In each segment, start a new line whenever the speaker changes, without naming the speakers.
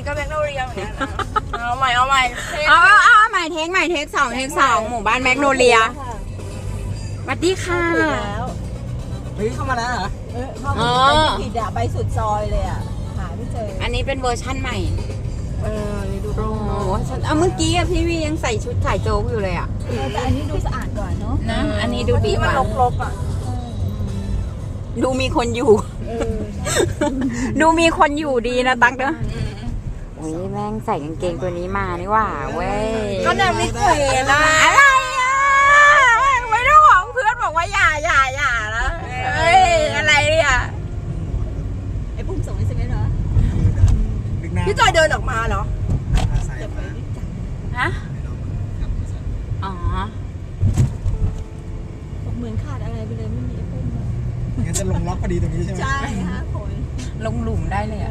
ก็แมกโนเลียเหมือนกันเอาใหม่
เอาใหม่เทคสองหมู่บ้านแมกโนเลียสวัสดีค่ะ
เฮ้ยเข้ามาแล้วเหรอ
เข้ามาผิดอะไปสุดซอยเลยอะหาไม่เจอ
อันนี้เป็นเวอร์ชั่นใหม่
นี่ดู
เมื่อกี้พี่วียังใส่ชุดถ่ายโจ๊กอยู่เลยอะ
แต่อันนี้ดูสะอาดกว่าเนาะ
นะอันนี้ดูดีกว่า
มันรกๆอะ
ดูมีคนอยู่ดูมีคนอยู่ดีนะตั๊กเนอะอุ้ยแม่งใส่กางเกงตัวนี้มานี่ว่าเว้ย
ก็เนี่ยไม่เคยนะ
อะไรอ่ะไม่ต้องบอกเพื่อนบอกว่าอย่านะเฮ้ยอะไรเนี่ย
ไอ้ปุ้มส่งให้เซเว่นเหรอ
พี่จอยเดินออกมาเหรอ
ฮะอ๋อ
เหมือนขาดอะไรไปเลยไม่มีไอ้ปุ้ม
งั้นจะลงล็อกพอดีตรงนี้ใช่ไหม
ใช่ฮะคน
ลงหลุมได้เลยอ่ะ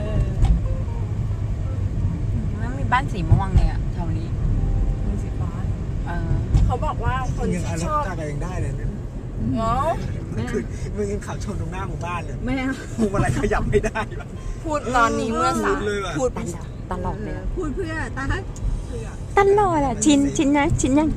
แล้วมีบ้านสีม่วงเนี่ยแถวนี้
มีสีฟ้าเขาบอกว่าคนที่ชอบ
อะไรยังได้เลยเนี่ย
เนาะ
มึงยังขับชนตรงหน้าหมู่บ้านเลย
ไม่
พวงมาลัยขยับไม่ได้
พูดตอนนี้เมื่อสาม
พูดตลอดเลย
พูดเพื่อ
ตลอดอ่ะชินยัง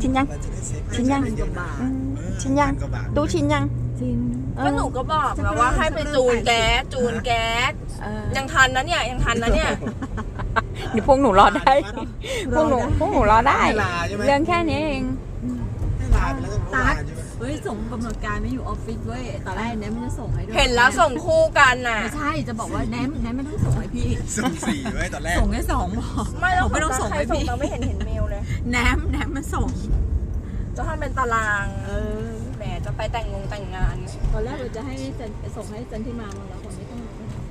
ตู้ชินยัง
ก็หนูก็บอกแล้วว่าให้ไปจูนแก๊สยังทันนะเนี่ย
นี่พวกหนูรอได้พวกหนูรอได้เรื่องแค่นี้เอง
ตั๊กเฮ้ยส่งกำหนดการไม่อยู่ออฟฟิศเว้ยตอนแรกแนมมันจะส่งให้ด้วย
เห็นแล้วส่งคู่กันน่ะ
ไม่ใช่จะบอกว่าแนมไม่ต้องส่งให้พี่
ส่ง4ไว้ตอนแรก
ส่งแค่2พอ
ไม่ต้องส่งให้พี่เราไม่เห็นเมลเลย
แนมมันส่ง
จะทำเป็นตารางแหมจะไปแต่งงาน
ตอนแรกเราจะให้ส่งให้จันทิมาแล้วคนไม่ต้อง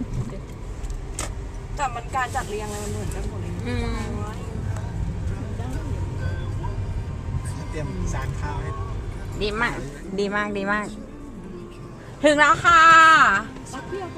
แต่มันการจัดเรียงอะไรมันเหมือนกันหมดเลย
เตรียมจานข้าวให้
ดีมากถึงแล้วค่ะ